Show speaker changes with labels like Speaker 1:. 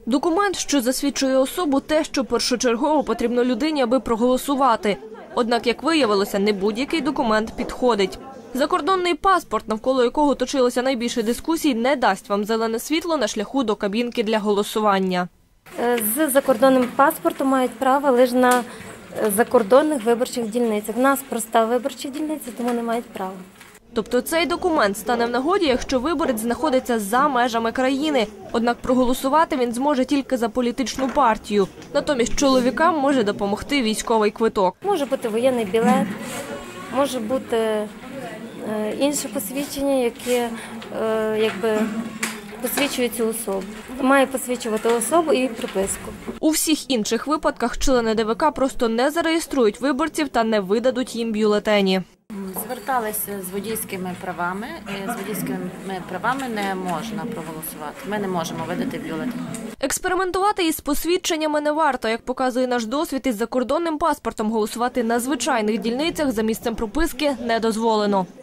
Speaker 1: Документ, що засвідчує особу, те, що першочергово потрібно людині, аби проголосувати. Однак, як виявилося, не будь-який документ підходить. Закордонний паспорт, навколо якого точилося найбільше дискусій, не дасть вам зелене світло на шляху до кабінки для голосування.
Speaker 2: З закордонним паспортом мають право лише на закордонних виборчих дільницях. У нас проста виборча дільниця, тому не мають права.
Speaker 1: Тобто цей документ стане в нагоді, якщо виборець знаходиться за межами країни. Однак проголосувати він зможе тільки за політичну партію. Натомість чоловікам може допомогти військовий квиток.
Speaker 2: Може бути воєнний білет, може бути інше посвідчення, яке посвідчує цю особу. Має посвідчувати особу і приписку.
Speaker 1: У всіх інших випадках члени ДВК просто не зареєструють виборців та не видадуть їм бюлетені.
Speaker 3: Зверталися з водійськими правами, і з водійськими правами не можна проголосувати. Ми не можемо видати бюлетень.
Speaker 1: Експериментувати із посвідченнями не варто. Як показує наш досвід, із закордонним паспортом голосувати на звичайних дільницях за місцем прописки не дозволено.